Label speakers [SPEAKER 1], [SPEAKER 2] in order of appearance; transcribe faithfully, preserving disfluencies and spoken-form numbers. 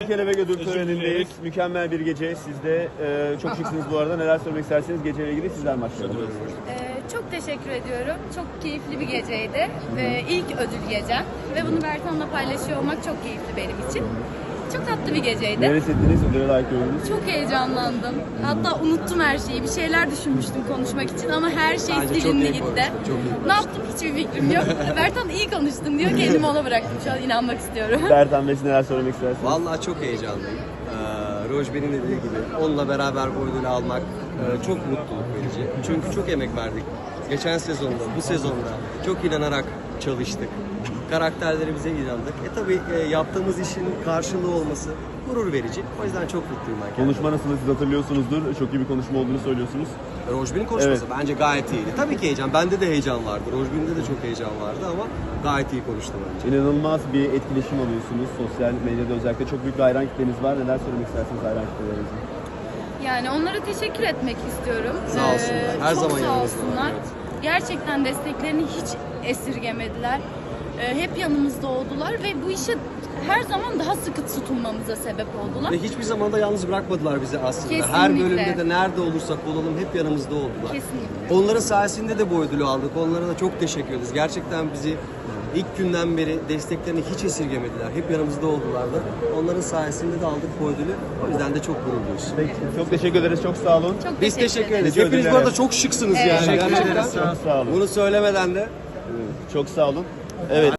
[SPEAKER 1] Kelebek ödül
[SPEAKER 2] Özür
[SPEAKER 1] törenindeyiz.
[SPEAKER 2] dileriz.
[SPEAKER 1] Mükemmel bir gece. Siz de e, çok şıksınız bu arada. Neler söylemek isterseniz geceyle ilgili sizden başlayalım.
[SPEAKER 3] Ee, çok teşekkür ediyorum. Çok keyifli bir geceydi. Ee, ilk ödül gecem. Ve bunu Bertan'la paylaşıyor olmak çok keyifli benim için. Çok tatlı bir geceydi.
[SPEAKER 1] Neler hissettiniz? Ödüle layık gördünüz.
[SPEAKER 3] Çok heyecanlandım. Hatta unuttum her şeyi. Bir şeyler düşünmüştüm konuşmak için ama her şey
[SPEAKER 4] Bence çok
[SPEAKER 3] silindi
[SPEAKER 4] iyi
[SPEAKER 3] gitti.
[SPEAKER 4] konuştun, çok iyi
[SPEAKER 3] Ne yaptım hiçbir fikrim yok. Bertan iyi konuştun diyor. Kendimi ona bıraktım. Şu an inanmak istiyorum.
[SPEAKER 1] Bertan Bey, siz neler söylemek istersiniz?
[SPEAKER 4] Vallahi çok heyecanlıyım. Ee, Rojber'in dediği gibi onunla beraber bu ödülü almak e, çok mutluluk verici. Çünkü çok emek verdik. Geçen sezonda, bu sezonda çok inanarak çalıştık. Karakterlerimize inandık. E tabii e, yaptığımız işin karşılığı olması gurur verici. O yüzden çok mutluyum ben.
[SPEAKER 1] Konuşma nasıl, siz hatırlıyorsunuzdur. Çok iyi bir konuşma olduğunu söylüyorsunuz.
[SPEAKER 4] Rojber'in konuşması bence gayet iyiydi. Tabii ki heyecan. Bende de heyecan vardı. Rojber'inde de çok heyecan vardı ama gayet iyi konuştu bence.
[SPEAKER 1] İnanılmaz bir etkileşim alıyorsunuz. Sosyal medyada özellikle çok büyük bir hayran kitleniz var. Neler söylemek istersiniz hayran kitlelerinize?
[SPEAKER 3] Yani onlara teşekkür etmek istiyorum.
[SPEAKER 4] Sağ olsunlar. Her
[SPEAKER 3] çok
[SPEAKER 4] zaman
[SPEAKER 3] sağ
[SPEAKER 4] yanımızdalar,
[SPEAKER 3] olsunlar.
[SPEAKER 4] evet.
[SPEAKER 3] Gerçekten desteklerini hiç esirgemediler. Ee, hep yanımızda oldular ve bu işe her zaman daha sıkı tutunmamıza sebep oldular.
[SPEAKER 4] Ve hiçbir zaman da yalnız bırakmadılar bizi aslında.
[SPEAKER 3] Kesinlikle.
[SPEAKER 4] Her bölümde de nerede olursak olalım hep yanımızda oldular.
[SPEAKER 3] Kesinlikle.
[SPEAKER 4] Onların sayesinde de bu ödülü aldık. Onlara da çok teşekkür ederiz. Gerçekten bizi ilk günden beri desteklerini hiç esirgemediler. Hep yanımızda oldular da. Onların sayesinde de aldık bu ödülü. O yüzden de çok gururluyuz.
[SPEAKER 1] Peki, çok teşekkür ederiz. Çok sağ olun.
[SPEAKER 3] Çok
[SPEAKER 4] Biz teşekkür ederiz.
[SPEAKER 1] Teşekkür
[SPEAKER 4] Hepiniz bu
[SPEAKER 1] ederim.
[SPEAKER 4] arada çok şıksınız
[SPEAKER 3] Evet.
[SPEAKER 4] yani.
[SPEAKER 3] Teşekkür
[SPEAKER 4] Gerçekten.
[SPEAKER 3] ederiz.
[SPEAKER 1] Çok sağ olun.
[SPEAKER 4] Bunu söylemeden de
[SPEAKER 1] Çok sağ olun. Evet.